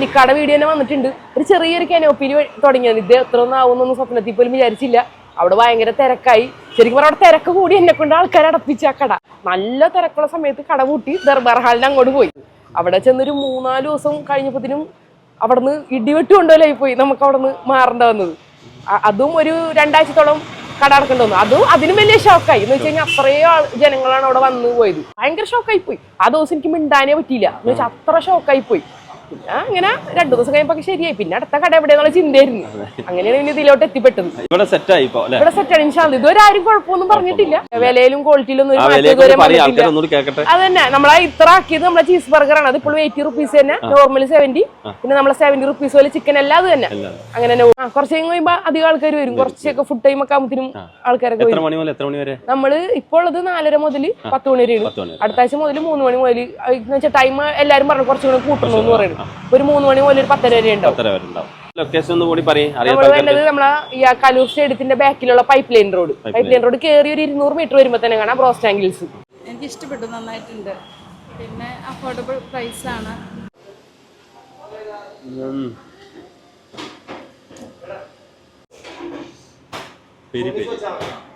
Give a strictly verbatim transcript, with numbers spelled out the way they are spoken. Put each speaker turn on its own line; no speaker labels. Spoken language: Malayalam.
പാലിക്കാട് വീഡിയോ തന്നെ വന്നിട്ടുണ്ട്. ഒരു ചെറിയൊരു കനോപ്പിയിൽ തുടങ്ങിയത്. ഇത് എത്ര ഒന്നും ആവുന്നൊന്നും സ്വപ്നത്തിൽ പോലും വിചാരിച്ചില്ല. അവിടെ ഭയങ്കര തിരക്കായി. ശരിക്കും പറഞ്ഞാൽ അവിടെ തിരക്ക് കൂടി എന്നെ കൊണ്ട് ആൾക്കാരെ അടപ്പിച്ച ആ കട. നല്ല തിരക്കുള്ള സമയത്ത് കട പൂട്ടി ദർബാർ ഹാളിന് അങ്ങോട്ട് പോയി. അവിടെ ചെന്നൊരു മൂന്നാല് ദിവസം കഴിഞ്ഞപ്പോഴത്തേനും അവിടുന്ന് ഇടിവെട്ട് കൊണ്ടുപോലായി പോയി. നമുക്ക് അവിടെ നിന്ന് മാറേണ്ട വന്നത്. അതും ഒരു രണ്ടാഴ്ചത്തോളം കട അടക്കേണ്ടി വന്നു. അതും അതിനും വലിയ ഷോക്കായി. എന്ന് വെച്ച് കഴിഞ്ഞാൽ അത്രയും ആൾ ജനങ്ങളാണ് അവിടെ വന്നു പോയത്. ഭയങ്കര ഷോക്കായി പോയി. ആ ദിവസം എനിക്ക് മിണ്ടാനേ പറ്റിയില്ല. എന്ന് വെച്ചാൽ അത്ര ഷോക്കായി പോയി. പിന്നെ അങ്ങനെ രണ്ടു ദിവസം കഴിയുമ്പോ ശരിയായി. പിന്നെ അടുത്ത കട എവിടെയെന്നുള്ള ചിന്തയായിരുന്നു. അങ്ങനെയാണ് ഇനി ഇതിലോട്ട് എത്തിപ്പെട്ടത്. ഇവിടെ സെറ്റാണ്. ഇതുവരെ ആരും കുഴപ്പമൊന്നും പറഞ്ഞിട്ടില്ല. വിലയിലും ക്വാളിറ്റിയിലും ഒന്നും അത് തന്നെ. നമ്മളെ ഇത്ര ആക്കിയത് നമ്മളെ ചീസ് ബർഗറാണ്. അത് ഇപ്പോൾ എയ്റ്റി റുപ്പീസ് തന്നെ, നോർമൽ സെവന്റി. പിന്നെ നമ്മളെ സെവന്റി റുപ്പീസ് പോലെ ചിക്കൻ എല്ലാം അത് തന്നെ. അങ്ങനെ തന്നെ കുറച്ച് കഴിയുമ്പോ അധികം ആൾക്കാർ വരും. കുറച്ചൊക്കെ ഫുഡ് ടൈം ഒക്കെ ആകുമ്പോഴത്തേനും ആൾക്കാരൊക്കെ വരും. നമ്മള് ഇപ്പോൾ ഉള്ളത് നാലര മുതൽ പത്ത് മണി വരെയാണ്. അടുത്ത ആഴ്ച മുതൽ മൂന്ന് മണി മുതൽ എന്ന് വെച്ചാൽ ടൈം എല്ലാരും പറഞ്ഞു കുറച്ചുകൂടെ കൂട്ടണമെന്ന് പറയുന്നത്. ഒരു മൂന്ന് മണി മുതൽ ഒരു പത്തര വരെ ഉണ്ടാവും. നമ്മളെ ഈ കലൂർ സ്റ്റേഡിയത്തിന്റെ ബാക്കിലുള്ള pipe line road pipe line road കയറി ഒരു ഇരുന്നൂറ് മീറ്റർ വരുമ്പോ തന്നെ കാണാം ബ്രോസ്റ്റ് ആംഗിൾസ്.
എനിക്ക് ഇഷ്ടപ്പെട്ടു, നന്നായിട്ടുണ്ട്. പിന്നെ അഫോർഡബിൾ പ്രൈസ് ആണ്.
Peri peri